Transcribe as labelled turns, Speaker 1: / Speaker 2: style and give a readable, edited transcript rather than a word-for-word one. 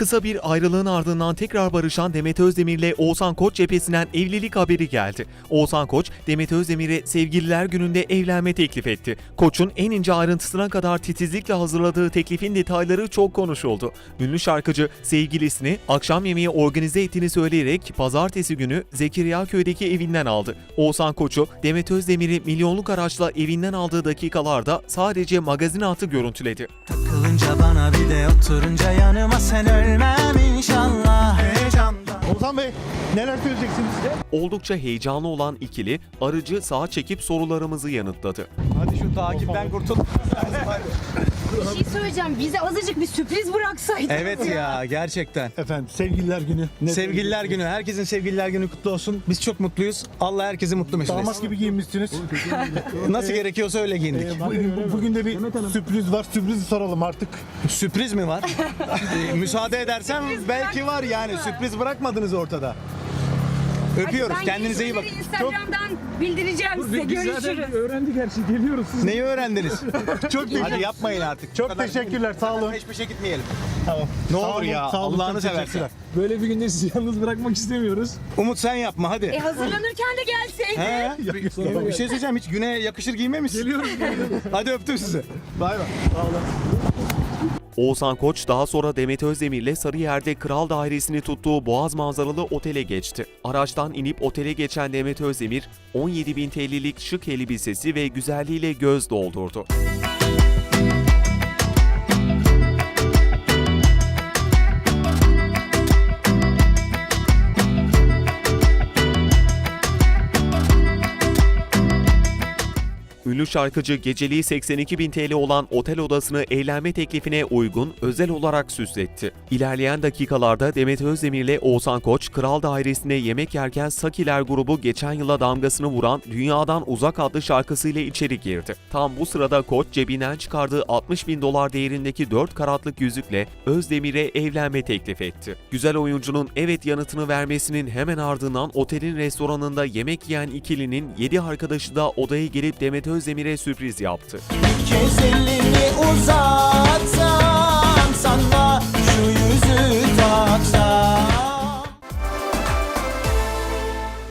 Speaker 1: Kısa bir ayrılığın ardından tekrar barışan Demet Özdemir'le Oğuzhan Koç cephesinden evlilik haberi geldi. Oğuzhan Koç, Demet Özdemir'e Sevgililer Günü'nde evlenme teklif etti. Koç'un en ince ayrıntısına kadar titizlikle hazırladığı teklifin detayları çok konuşuldu. Ünlü şarkıcı sevgilisini akşam yemeği organize ettiğini söyleyerek pazartesi günü Zekeriyaköy'deki evinden aldı. Oğuzhan Koç'u Demet Özdemir'i milyonluk araçla evinden aldığı dakikalarda sadece magazin altı görüntüledi.
Speaker 2: Takılınca bana bir de oturunca yanıma sen ölmem inşallah heyecandan.
Speaker 3: Oğuzhan Bey neler söyleyeceksiniz?
Speaker 1: Oldukça heyecanlı olan ikili aracı sağa çekip sorularımızı yanıtladı.
Speaker 3: Hadi şu takipten kurtul.
Speaker 4: Bir şey söyleyeceğim. Bize azıcık bir sürpriz bıraksaydınız.
Speaker 5: Evet ya gerçekten.
Speaker 3: Efendim sevgililer günü.
Speaker 5: Sevgililer günü. Herkesin sevgililer günü kutlu olsun. Biz çok mutluyuz. Allah herkesi mutlu mesut etsin.
Speaker 3: Damat gibi giyinmişsiniz.
Speaker 5: Nasıl gerekiyorsa öyle giyindik.
Speaker 3: Bugün de bir sürpriz var. Sürprizi soralım artık.
Speaker 5: Sürpriz mi var? Müsaade edersem belki var yani. Sürpriz bırakmadınız ortada. Öpüyoruz.
Speaker 4: Ben
Speaker 5: Kendinize iyi bakın.
Speaker 4: Instagram'dan bildireceğim size. Görüşürüz.
Speaker 3: öğrendik her şeyi. Geliyoruz siz.
Speaker 5: Neyi öğrendiniz?
Speaker 3: Çok
Speaker 5: Hadi yapmayın artık.
Speaker 3: Çok teşekkürler. Sağ olun.
Speaker 5: Peş peşe gitmeyelim.
Speaker 3: Tamam.
Speaker 5: Ne
Speaker 3: Sağ
Speaker 5: olur
Speaker 3: olun,
Speaker 5: ya.
Speaker 3: sağ olun,
Speaker 5: Allah'ını
Speaker 3: çok
Speaker 5: seversen.
Speaker 3: teşekkürler.
Speaker 6: Böyle bir günde sizi yalnız bırakmak istemiyoruz.
Speaker 5: Umut sen yapma hadi.
Speaker 4: Hazırlanırken de gelseydi.
Speaker 5: He? Bir şey söyleyeceğim. Hiç güne yakışır giymemişsin. Geliyorum. Hadi öptüm sizi.
Speaker 3: Bay bay.
Speaker 1: Oğuzhan Koç daha sonra Demet Özdemir'le Sarıyer'de Kral Dairesi'ni tuttuğu Boğaz manzaralı otele geçti. Araçtan inip otele geçen Demet Özdemir, 17.000 TL'lik şık elbisesi ve güzelliğiyle göz doldurdu. Ünlü şarkıcı geceliği 82.000 TL olan otel odasını eğlenme teklifine uygun özel olarak süsletti. İlerleyen dakikalarda Demet Özdemir'le Oğuzhan Koç, Kral Dairesi'nde yemek yerken Sakiler grubu geçen yıla damgasını vuran Dünyadan Uzak adlı şarkısıyla içeri girdi. Tam bu sırada Koç cebinden çıkardığı $60.000 değerindeki 4 karatlık yüzükle Özdemir'e evlenme teklif etti. Güzel oyuncunun evet yanıtını vermesinin hemen ardından otelin restoranında yemek yiyen ikilinin 7 arkadaşı da odaya gelip Demet Özdemir'e sürpriz yaptı.
Speaker 2: Bir kez elimi uzatsam sana şu yüzü taksam